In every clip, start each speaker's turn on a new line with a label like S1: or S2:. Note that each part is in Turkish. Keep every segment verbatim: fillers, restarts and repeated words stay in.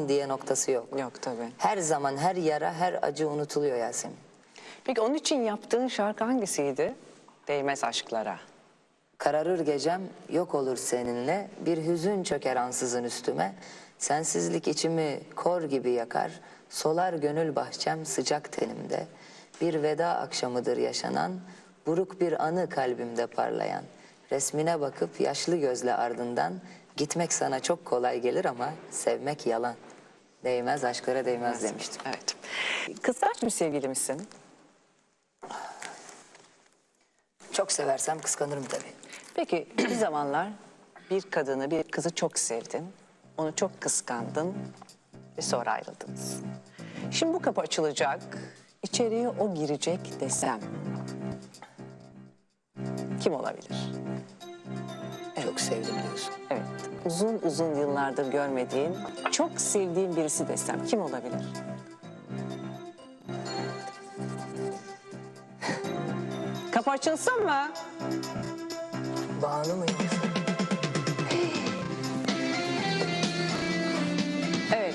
S1: diye noktası yok.
S2: Yok tabii.
S1: Her zaman her yara, her acı unutuluyor Yasemin.
S2: Peki onun için yaptığın şarkı hangisiydi? Değmez aşklara.
S1: Kararır gecem, yok olur seninle, bir hüzün çöker ansızın üstüme. Sensizlik içimi kor gibi yakar, solar gönül bahçem sıcak tenimde. Bir veda akşamıdır yaşanan, buruk bir anı kalbimde parlayan. Resmine bakıp yaşlı gözle ardından, gitmek sana çok kolay gelir ama sevmek yalan. Değmez aşklara değmez demiştim.
S2: Evet. Kıskanç bir sevgili misin?
S1: Çok seversem kıskanırım tabii.
S2: Peki bir zamanlar bir kadını, bir kızı çok sevdin. Onu çok kıskandın ve sonra ayrıldınız. Şimdi bu kapı açılacak, içeriye o girecek desem kim olabilir?
S1: Çok sevdim diyorsun.
S2: Evet, uzun uzun yıllardır görmediğin, çok sevdiğin birisi desem kim olabilir? Kapı açılsın mı?
S1: Banu mu yoksa?
S2: Evet.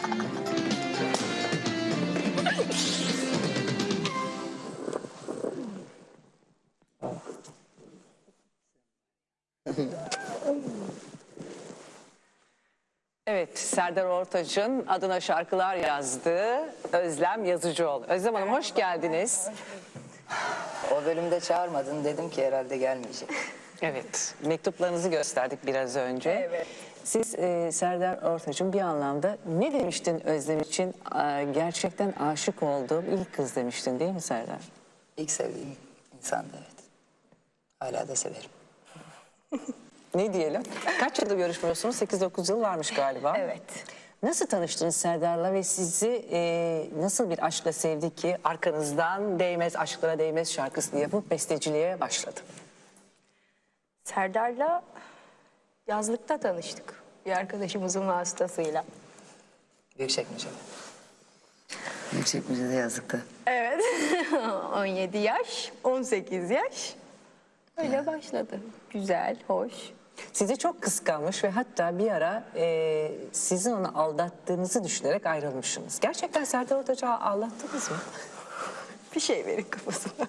S2: Evet, Serdar Ortaç'ın adına şarkılar yazdığı Özlem Yazıcıoğlu. Özlem Hanım hoş geldiniz.
S1: O bölümde çağırmadın, dedim ki herhalde gelmeyecek.
S2: Evet, mektuplarınızı gösterdik biraz önce.
S3: Evet.
S2: Siz e, Serdar Ortaç'ın bir anlamda ne demiştin Özlem için? E, gerçekten aşık olduğum ilk kız demiştin değil mi Serdar?
S1: İlk sevdiğim insandı, evet. Hala da severim.
S2: Ne diyelim? Kaç yıldır görüşmüyorsunuz? sekiz dokuz yıl varmış galiba.
S3: Evet.
S2: Nasıl tanıştınız Serdar'la ve sizi e, nasıl bir aşkla sevdi ki arkanızdan Değmez Aşklara Değmez şarkısını yapıp besteciliğe başladı?
S3: Serdar'la yazlıkta tanıştık. Bir arkadaşımızın vasıtasıyla.
S1: Büyükçekmece'de. Büyükçekmece'de yazlıkta.
S3: Evet. on yedi yaş, on sekiz yaş. Öyle başladı. Güzel, hoş.
S2: Sizi çok kıskanmış ve hatta bir ara e, sizin onu aldattığınızı düşünerek ayrılmışsınız. Gerçekten Serdar Ortaç'ı aldattınız mı?
S3: Bir şey verin kafasına.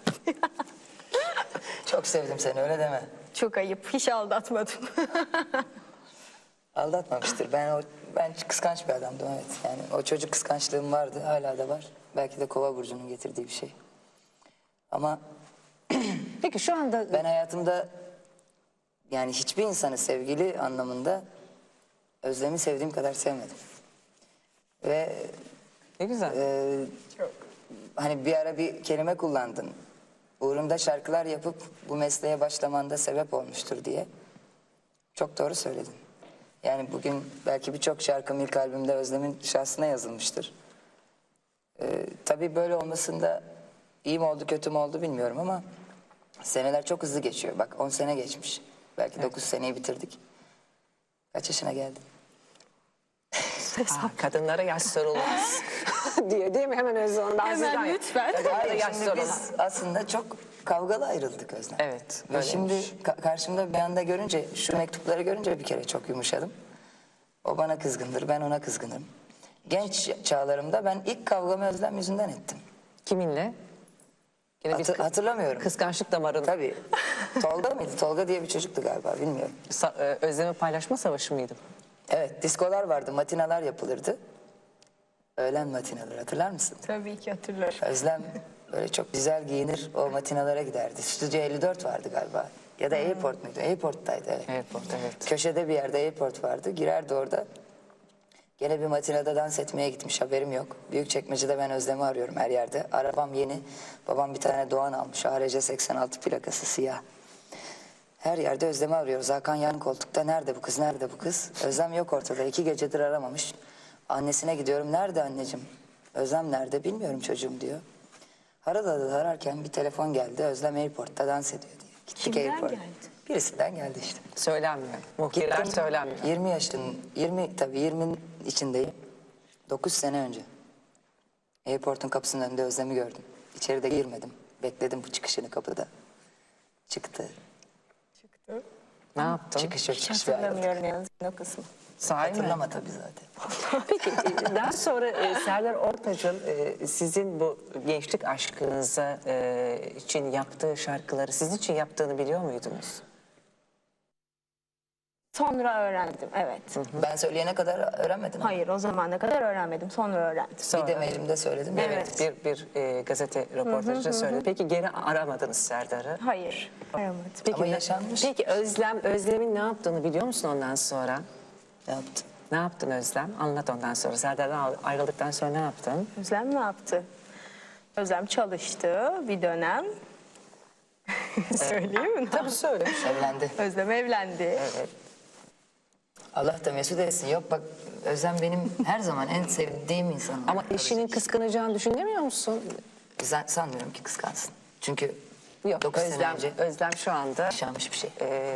S1: Çok sevdim seni, öyle deme.
S3: Çok ayıp. Hiç aldatmadım.
S1: Aldatmamıştır. Ben o ben kıskanç bir adamdım, evet. Yani o çocuk kıskançlığım vardı, hala da var. Belki de Kova burcunun getirdiği bir şey. Ama
S2: Peki şu anda
S1: ben hayatımda yani hiçbir insanı sevgili anlamında Özlem'i sevdiğim kadar sevmedim. Ve
S2: ne güzel.
S1: e, hani bir ara bir kelime kullandın. Uğrumda şarkılar yapıp bu mesleğe başlamanda sebep olmuştur diye. Çok doğru söyledin. Yani bugün belki birçok şarkım ilk albümde Özlem'in şahsına yazılmıştır. Ee, tabii böyle olmasında iyi mi oldu kötü mü oldu bilmiyorum ama seneler çok hızlı geçiyor. Bak on sene geçmiş. Belki
S2: Evet.
S1: dokuz seneyi bitirdik. Kaç yaşına geldin?
S2: Aa, kadınlara yaş sorulmaz diye değil mi? Hemen Özlem Hanım. Ben sizden-
S3: Hemen lütfen.
S2: Kadınlara
S1: Hayır,
S2: yaş
S1: şimdi
S2: sorulmaz.
S1: biz aslında çok kavgalı ayrıldık Özlem.
S2: Evet,
S1: Ve şimdi
S2: öyleymiş.
S1: ka- karşımda bir anda görünce, şu mektupları görünce bir kere çok yumuşadım. O bana kızgındır, ben ona kızgınım. Genç çağlarımda ben ilk kavgamı Özlem yüzünden ettim.
S2: Kiminle? Yine bir
S1: Hatır-
S2: kı-
S1: hatırlamıyorum.
S2: kıskançlık damarın.
S1: Tabii. Tolga mıydı? Tolga diye bir çocuktu galiba, bilmiyorum.
S2: Sa- e, Özlem'i paylaşma savaşı mıydı?
S1: Evet, diskolar vardı, matinalar yapılırdı. Öğlen matinaları, hatırlar mısın?
S3: Tabii ki hatırlarım.
S1: Özlem böyle çok güzel giyinir, o matinalara giderdi. Stüdyo elli dört vardı galiba. Ya da Airport muydu? Airport'taydı, evet.
S2: Airport, evet.
S1: Köşede bir yerde Airport vardı. Girerdi orada. Gene bir matinada dans etmeye gitmiş, haberim yok. Büyükçekmece'de ben Özlem'i arıyorum her yerde. Arabam yeni. Babam bir tane Doğan almış. A R C seksen altı plakası, siyah. Her yerde Özlem'i arıyoruz. Hakan yan koltukta. Nerede bu kız, nerede bu kız? Özlem yok ortada. İki gecedir aramamış. Annesine gidiyorum. Nerede anneciğim? Özlem nerede? Bilmiyorum çocuğum diyor. Arada ararken bir telefon geldi. Özlem Airport'ta dans ediyor diye. Gittik
S3: Kimden
S1: Airport.
S3: geldi?
S1: Birisinden geldi işte.
S2: Söylenmiyor. Muhbirler
S1: Gittim,
S2: söylenmiyor.
S1: yirmi yaşın, yirmi tabii yirminin içindeyim. dokuz sene önce. Airport'un kapısının önünde Özlem'i gördüm. İçeri de girmedim. Bekledim bu çıkışını kapıda. Çıktı.
S3: Çıktı.
S2: Ne yaptın?
S1: Çıkış yok,
S3: Hiç
S1: çıkış ve ayrıldık.
S3: hatırlamıyorum yalnız o kısmı.
S2: Sahi mi?
S1: Hatırlama tabii zaten.
S2: Peki e, daha sonra e, Serdar Ortaç'ın e, sizin bu gençlik aşkınıza e, için yaptığı şarkıları sizin için yaptığını biliyor muydunuz?
S3: Sonra öğrendim, evet.
S1: Ben söyleyene kadar öğrenmedim.
S3: Hayır, o zamana kadar öğrenmedim. Sonra öğrendim.
S2: Sonra,
S1: Bir de mailimde söyledim.
S3: Evet.
S2: bir bir e, gazete röportajında söyledi. Peki geri aramadınız Serdar'ı?
S3: Hayır, aramadım.
S2: Peki,
S1: Ama
S2: ne-
S1: yaşanmış.
S2: Peki Özlem, Özlem'in ne yaptığını biliyor musun ondan sonra?
S1: Ne yaptın?
S2: Ne yaptın Özlem? Anlat ondan sonra. Serdar'dan ayrıldıktan sonra ne yaptın?
S3: Özlem ne yaptı? Özlem çalıştı bir dönem. Söyleyeyim mi?
S2: Tabii söyle.
S1: Evlendi.
S3: Özlem evlendi.
S2: Evet.
S1: Allah da mesut etsin. Yok bak Özlem benim her zaman en sevdiğim insan.
S2: Ama eşinin kıskanacağını düşünemiyor musun?
S1: Sen sanmıyorum ki kıskansın. Çünkü
S2: Yok.
S1: dokuz sene
S2: Özlem,
S1: önce
S2: Özlem şu anda
S1: yaşanmış bir şey.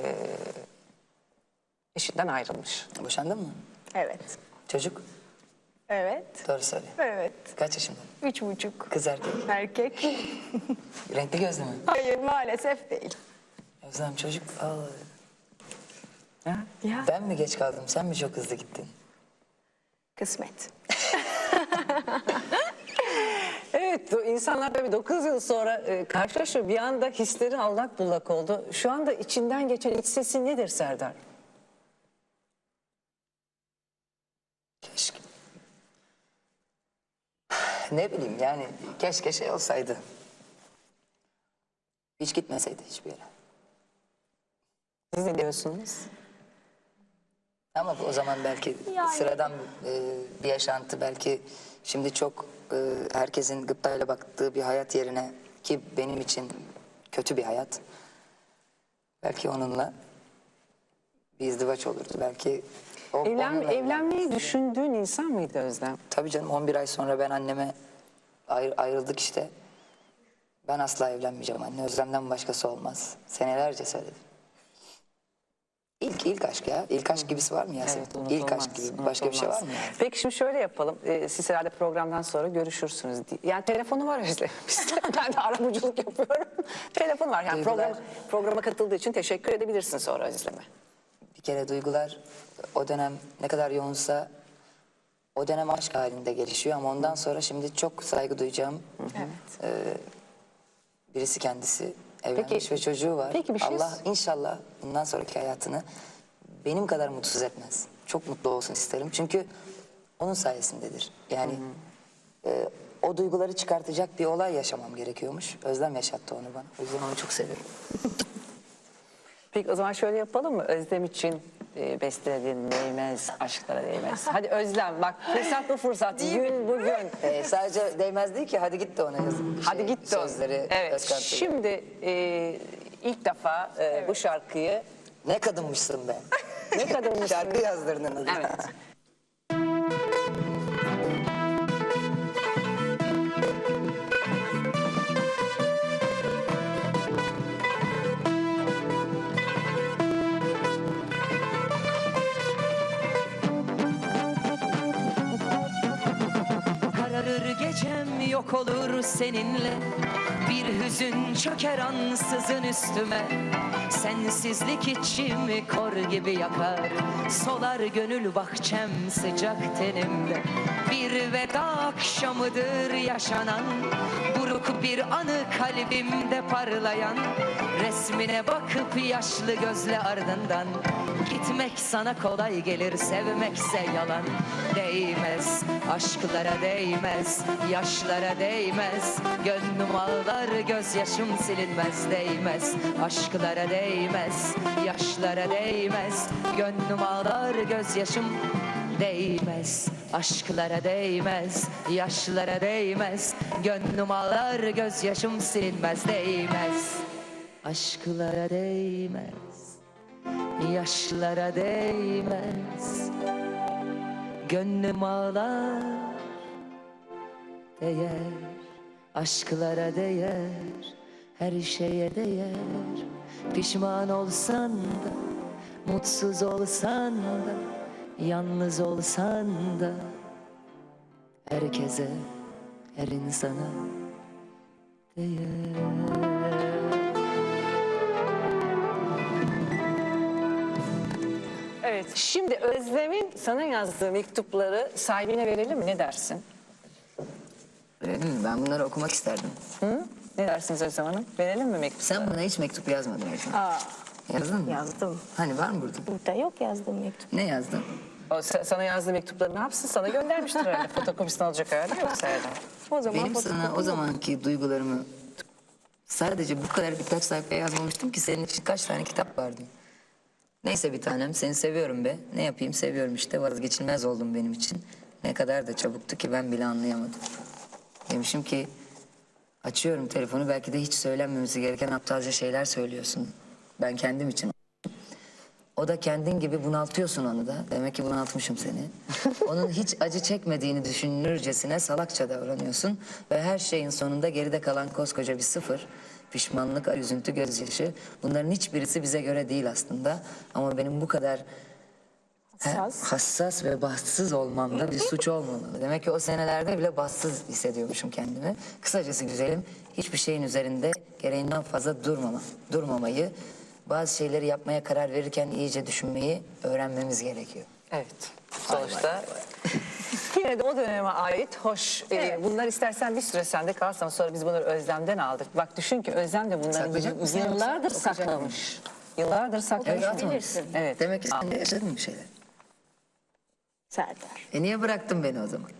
S2: eşinden ayrılmış.
S1: Boşandın mı?
S3: Evet.
S1: Çocuk?
S3: Evet.
S1: Doğru söyle.
S3: Evet.
S1: Kaç yaşında?
S3: Üç buçuk.
S1: Kız erkek.
S3: Erkek.
S1: Renkli gözlü mü?
S3: Hayır, maalesef değil.
S1: Özlem çocuk. Aa,
S2: Ya.
S3: Ya.
S1: ben mi geç kaldım? Sen mi çok hızlı gittin?
S3: Kısmet.
S2: Evet, o insanlar tabii dokuz yıl sonra e, karşılaşıyor. Bir anda hisleri allak bullak oldu. Şu anda içinden geçen iç sesin nedir Serdar?
S1: Keşke. Ne bileyim yani keşke şey olsaydı. Hiç gitmeseydi hiçbir yere.
S2: Siz ne diyorsunuz?
S1: Ama o zaman belki
S3: Yani-
S1: sıradan e, bir yaşantı belki şimdi çok e, herkesin gıptayla baktığı bir hayat yerine ki benim için kötü bir hayat. Belki onunla bir izdivaç olurdu. Belki o,
S2: Evlen,
S1: onunla
S2: evlenmeyi düşündüğün insan mıydı Özlem?
S1: Tabii canım on bir ay sonra ben anneme ayr- ayrıldık işte. Ben asla evlenmeyeceğim anne. Özlem'den başkası olmaz. Senelerce söyledim. İlk ilk aşk ya. İlk aşk gibisi var mı Yasemin?
S2: Evet,
S1: ilk
S2: unutulmaz,
S1: aşk gibi başka bir şey var
S2: unutulmaz.
S1: mı yani?
S2: Peki şimdi şöyle yapalım. Ee, siz herhalde programdan sonra görüşürsünüz. Yani telefonu var Özlem. Bizde. Ben de arabuluculuk yapıyorum. Telefon var. Yani
S1: Duygular-
S2: program, programa katıldığı için teşekkür edebilirsin sonra Özlem'e.
S1: Bir kere duygular o dönem ne kadar yoğunsa o dönem aşk halinde gelişiyor ama ondan sonra şimdi çok saygı duyacağım
S3: Evet.
S1: birisi kendisi. Evlenmiş
S2: Peki-
S1: ve çocuğu var.
S2: peki bir şey-
S1: Allah inşallah bundan sonraki hayatını benim kadar mutsuz etmez. Çok mutlu olsun isterim. Çünkü onun sayesindedir. Yani e, o duyguları çıkartacak bir olay yaşamam gerekiyormuş. Özlem yaşattı onu bana. O yüzden onu çok seviyorum.
S2: Peki o zaman şöyle yapalım mı? Özlem için e, bestelediğin değmez, aşklara değmez. Hadi Özlem bak fırsat bu fırsat. Gün bugün.
S1: E, sadece değmez değil ki hadi git de ona yazın.
S2: Hadi
S1: Şey,
S2: git de o.
S1: Sözleri
S2: Evet.
S1: Özkan Tugay.
S2: Şimdi e, ilk defa e, bu şarkıyı
S1: Ne kadınmışsın be.
S2: ne kadar
S1: Şarkı yazdırdın adı.
S2: Evet.
S4: Kararır gecem yok olur seninle. Bir hüzün çöker ansızın üstüme. Sensizlik içimi kor gibi yakar. Solar gönül bahçem sıcak tenimde. Bir veda akşamıdır yaşanan. Buruk bir anı kalbimde parlayan. Resmine bakıp yaşlı gözle ardından gitmek sana kolay gelir, sevmekse yalan. Değmez, aşklara değmez, yaşlara değmez. Gönlüm ağlar, gözyaşım silinmez. Değmez, aşklara değmez, yaşlara değmez. Gönlüm ağlar, gözyaşım değmez, aşklara değmez, yaşlara değmez. Gönlüm ağlar, gözyaşım silinmez. Değmez, aşklara değmez, yaşlara değmez. Gönlüm ağlar, değer, aşklara değer, her şeye değer. Pişman olsan da, mutsuz olsan da, yalnız olsan da, herkese, her insana değer.
S2: Evet, şimdi Özlem'in sana yazdığı mektupları sahibine verelim mi? Ne dersin?
S1: Öyle değil mi? Ben bunları okumak isterdim.
S2: Hı? Ne dersiniz Özlem Hanım? Verelim mi mektup?
S1: Sen bana hiç mektup yazmadın Ecem.
S3: Aa,
S1: Yazdın mı?
S3: yazdım.
S1: Hani var mı burada?
S3: Burada yok yazdığım mektup.
S1: Ne yazdın?
S2: O, sa- sana yazdığı mektupları ne yapsın? Sana göndermiştir herhalde. Fotokopisini alacak hali yoksa herhalde.
S3: O zaman
S1: Benim sana
S3: fotokopi-
S1: o zamanki duygularımı sadece bu kadar birkaç sayfaya yazmamıştım ki senin için kaç tane kitap vardı. Neyse bir tanem, seni seviyorum be. Ne yapayım, seviyorum işte, vazgeçilmez oldum benim için. Ne kadar da çabuktu ki ben bile anlayamadım. Demişim ki açıyorum telefonu, belki de hiç söylenmemesi gereken aptalca şeyler söylüyorsun. Ben kendim için. O da kendin gibi bunaltıyorsun onu da. Demek ki bunaltmışım seni. Onun hiç acı çekmediğini düşünürcesine salakça davranıyorsun. Ve her şeyin sonunda geride kalan koskoca bir sıfır. Pişmanlık, üzüntü, gözyaşı. Bunların hiçbirisi bize göre değil aslında. Ama benim bu kadar he,
S3: Hassas.
S1: hassas ve bahtsız olmamda bir suç olmamalı. Demek ki o senelerde bile bahtsız hissediyormuşum kendimi. Kısacası güzelim, hiçbir şeyin üzerinde gereğinden fazla durmama, durmamayı, bazı şeyleri yapmaya karar verirken iyice düşünmeyi öğrenmemiz gerekiyor.
S2: Evet. Sonuçta yine de o döneme ait hoş. e, bunlar istersen bir süre sende kalsın. Sonra biz bunları Özlem'den aldık. Bak düşün ki Özlem de bunları
S1: Saklayacak mısın yoksa
S2: yıllardır
S1: okuyacak
S2: saklamış. Yıllardır saklamış.
S1: Evet, atmamışsın.
S2: Evet.
S1: Demek ki sen de yaşadın bir şeyler.
S3: Serdar.
S1: E niye bıraktın beni o zaman?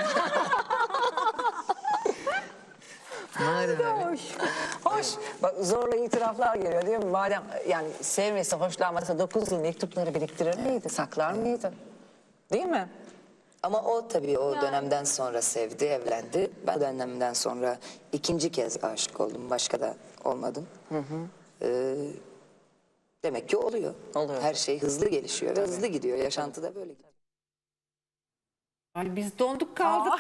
S1: Madem öyle.
S3: Hoş.
S2: Hoş. Bak zorla itiraflar geliyor değil mi? Madem yani sevmesi, hoşlanmasa dokuz yıl mektupları biriktirir miydi? Saklar mıydı? Değil mi?
S1: Ama o tabii o dönemden sonra sevdi, evlendi. Ben o dönemden sonra ikinci kez aşık oldum. Başka da olmadım. Ee, demek ki oluyor.
S2: Oluyor.
S1: Her şey hızlı gelişiyor ve hızlı gidiyor. Yaşantıda böyle gidiyor.
S5: Ay biz donduk kaldık.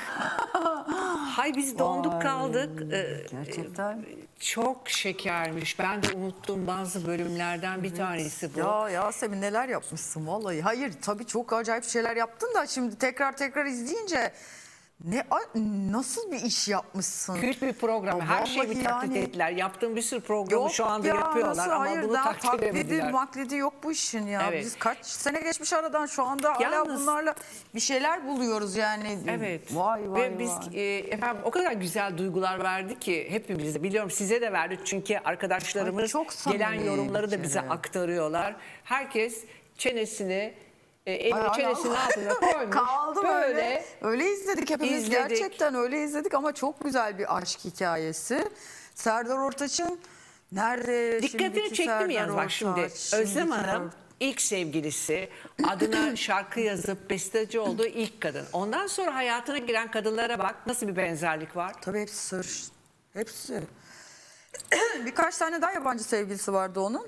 S5: Hay biz donduk kaldık. Ee,
S6: Gerçekten.
S5: Çok şekermiş. Ben de unuttum bazı bölümlerden bir tanesi bu.
S6: Ya Yasemin neler yapmışsın vallahi. Hayır tabii çok acayip şeyler yaptın da şimdi tekrar tekrar izleyince ne a- nasıl bir iş yapmışsın.
S5: Kült bir program.
S6: Ya
S5: Her şeyi bir
S6: vallahi
S5: taklit
S6: yani.
S5: ettiler. Yaptığım bir sürü programı şu anda
S6: ya,
S5: yapıyorlar
S6: nasıl?
S5: ama
S6: Hayır,
S5: bunu
S6: daha
S5: taklit
S6: taklidi,
S5: edemediler.
S6: maklidi yok bu işin ya.
S5: Evet.
S6: Biz kaç sene geçmiş aradan şu anda hala
S5: Yalnız-
S6: bunlarla bir şeyler buluyoruz yani.
S5: Evet.
S6: Vay vay
S5: Ve biz
S6: vay.
S5: e, efendim o kadar güzel duygular verdi ki hepimize, biliyorum size de verdi çünkü arkadaşlarımız
S6: Ay, çok samimi
S5: gelen yorumları da
S6: bir
S5: bize
S6: kere.
S5: aktarıyorlar. Herkes çenesini e, elini
S6: Ay,
S5: çenesinin
S6: Allah.
S5: altına koymuş.
S6: Kaldım
S5: böyle.
S6: öyle. Öyle izledik hepimiz
S5: izledik.
S6: gerçekten öyle izledik ama çok güzel bir aşk hikayesi. Serdar Ortaç'ın nerede
S5: Dikkatini
S6: şimdiki
S5: çekti
S6: Serdar
S5: mi yalnız bak şimdi
S6: Ortaç,
S5: Özlem
S6: şimdiki
S5: Hanım ilk sevgilisi, adına şarkı yazıp besteci olduğu ilk kadın. Ondan sonra hayatına giren kadınlara bak nasıl bir benzerlik var.
S6: Tabii hepsi sır. Hepsi. Birkaç tane daha yabancı sevgilisi vardı onun.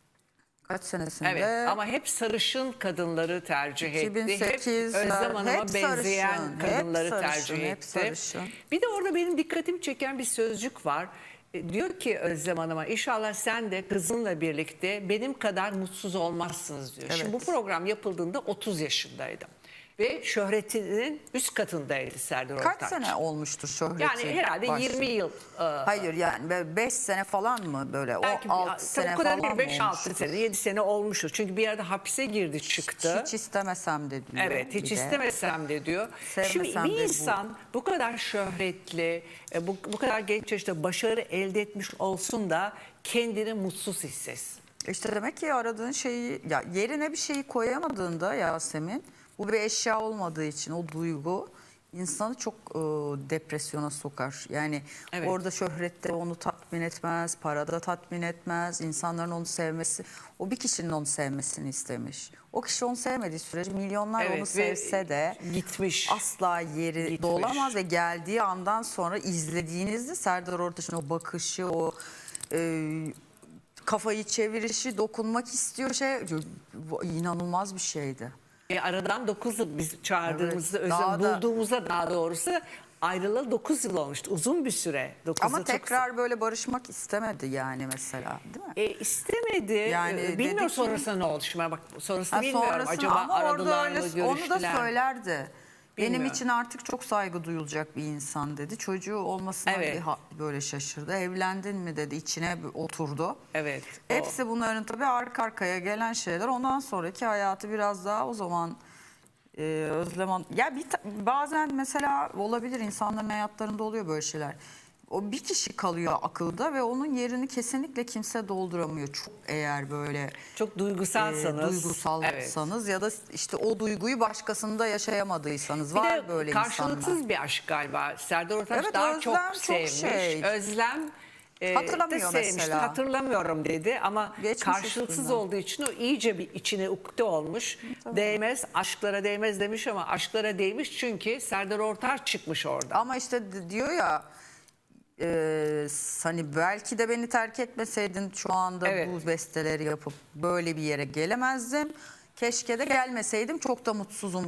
S6: Kaç senesinde?
S5: Evet ama hep sarışın kadınları tercih etti.
S6: iki bin sekiz,
S5: hep Özlem Hanım'a
S6: hep
S5: benzeyen
S6: sarışın, hep
S5: kadınları
S6: sarışın,
S5: tercih
S6: hep
S5: etti.
S6: sarışın.
S5: Bir de orada benim dikkatimi çeken bir sözcük var. E, Diyor ki Özlem Hanım'a inşallah sen de kızınla birlikte benim kadar mutsuz olmazsınız diyor. Şimdi bu program yapıldığında otuz yaşındaydım. Ve şöhretinin üst katındaydı Serdar Ortaç.
S6: Kaç sene olmuştur şöhreti?
S5: Yani herhalde
S6: baş-
S5: yirmi yıl. e,
S6: Hayır yani beş sene falan mı böyle?
S5: Belki
S6: o altı sene
S5: o kadar
S6: falan
S5: değil,
S6: mı
S5: beş altı
S6: olmuştur?
S5: sene, yedi sene olmuştur. Çünkü bir yerde hapise girdi çıktı.
S6: Hiç istemesem de diyor.
S5: Evet, hiç
S6: bir de.
S5: istemesem de diyor.
S6: Sevmesem
S5: Şimdi
S6: de
S5: bir
S6: bu.
S5: insan bu kadar şöhretli, e, bu, bu kadar genç yaşta başarı elde etmiş olsun da kendini mutsuz hissetsin.
S6: İşte demek ki aradığın şeyi ya yerine bir şeyi koyamadığında Yasemin, bu bir eşya olmadığı için o duygu insanı çok e, depresyona sokar. Yani
S5: Evet.
S6: orada şöhrette onu tatmin etmez, parada tatmin etmez, insanların onu sevmesi, o bir kişinin onu sevmesini istemiş. O kişi onu sevmediği sürece milyonlar
S5: Evet,
S6: onu
S5: ve
S6: sevse de
S5: gitmiş.
S6: asla yeri
S5: Gitmiş.
S6: dolamaz ve geldiği andan sonra izlediğinizde Serdar Ortaç'ın o bakışı, o e, kafayı çevirişi, dokunmak istiyor şey bu inanılmaz bir şeydi.
S5: E, aradan dokuz yıl biz çağırdığımızda,
S6: Evet,
S5: Özlem
S6: daha da-
S5: bulduğumuzda daha doğrusu ayrılalı dokuz yıl olmuştu. Uzun bir süre. dokuz
S6: Ama
S5: yıl çok
S6: tekrar böyle barışmak istemedi yani mesela, değil mi?
S5: E, istemedi.
S6: Yani
S5: Yani
S6: dedi
S5: bilmiyorum
S6: ki-
S5: sonrasında ne oldu. Şimdi bak sonrasını
S6: Ha,
S5: bilmiyorum.
S6: sonrasını-
S5: Acaba
S6: ama orada
S5: aradılar
S6: öyle,
S5: mı,
S6: onu da
S5: görüştüler mi?
S6: söylerdi. Benim
S5: Bilmiyorum.
S6: için artık çok saygı duyulacak bir insan dedi. Çocuğu olmasına
S5: Evet.
S6: bir ha- böyle şaşırdı. Evlendin mi dedi, içine bir oturdu.
S5: Evet. o-
S6: Hepsi bunların tabii arka arkaya gelen şeyler. Ondan sonraki hayatı biraz daha o zaman e, Özlem Hanım. Ya bir ta- bazen mesela olabilir, insanların hayatlarında oluyor böyle şeyler. O bir kişi kalıyor akılda ve onun yerini kesinlikle kimse dolduramıyor. Çok eğer böyle
S5: Çok
S6: e,
S5: duygusalsanız.
S6: duygusalsanız ya da işte o duyguyu başkasında yaşayamadıysanız
S5: Bir
S6: var
S5: de
S6: böyle
S5: karşılıksız
S6: insanlar.
S5: bir aşk galiba. Serdar Ortaç
S6: Evet,
S5: daha
S6: Özlem
S5: çok
S6: çok
S5: sevmiş.
S6: şey.
S5: Özlem e,
S6: Hatırlamıyor
S5: de sevmişti.
S6: mesela.
S5: Hatırlamıyorum dedi ama
S6: Geçmiş
S5: karşılıksız
S6: üstünden.
S5: olduğu için o iyice bir içine ukde olmuş. Değmez, aşklara değmez demiş ama aşklara değmiş çünkü Serdar Ortaç çıkmış orada.
S6: Ama işte d- diyor ya e, hani belki de beni terk etmeseydin şu anda
S5: Evet.
S6: bu besteleri yapıp böyle bir yere gelemezdim. Keşke de gelmeseydim, çok da mutsuzum